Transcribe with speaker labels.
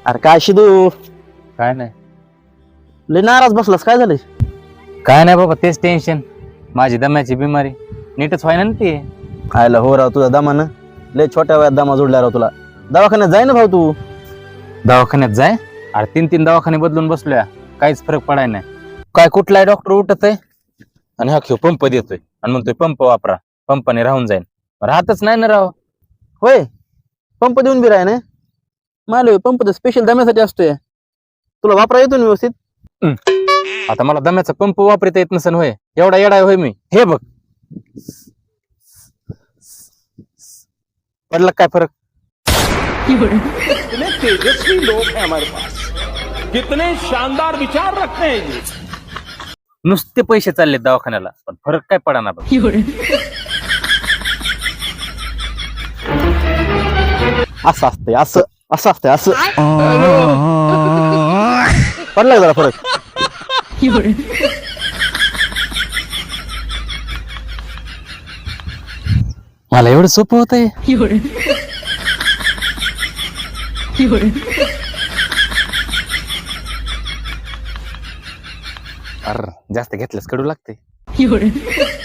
Speaker 1: अरे काय शिदू,
Speaker 2: काय नाही
Speaker 1: लय नाराज बसलास, काय झालंय?
Speaker 2: काय नाही बाबा, तेच टेन्शन. माझी दम्याची बिमारी नीटच व्हायना ना ती.
Speaker 1: आयला हो राव, तुझा दमानं लय छोट्या वयात दमा जोडला राव तुला. दवाखान्यात जाय ना भाऊ तू.
Speaker 2: दवाखान्यात जाय? अरे 3-3 दवाखाने बदलून बसलोया, काहीच फरक पडाय नाही. काय कुठलाय डॉक्टर उठत आहे आणि हा खेळ पंप देतोय आणि म्हणतोय पंप वापरा, पंपाने राहून जाईल. राहतच नाही ना राव.
Speaker 1: होय, पंप देऊन बी राय ना. माल पंप तर स्पेशल दम्यासाठी असतोय. तुला वापरा येतो ना व्यवस्थित?
Speaker 2: आता मला दम्याचा पंप वापरता येत नसेल होय? एवढा येडा होय मी? हे बघ, पडला काय फरक?
Speaker 3: कितने तेजस्वी लोग हैं हमारे पास, कितने शानदार विचार रखते हैं ये.
Speaker 2: नुसते पैसे चालले दवाखान्याला, पण फरक काय पडाना बघ.
Speaker 1: असं असतंय, असं असं असतंय, असं. पडला का जरा फरक?
Speaker 2: मला एवढं सोपं होतंय? अरे जास्त घेतलंस कडू लागते.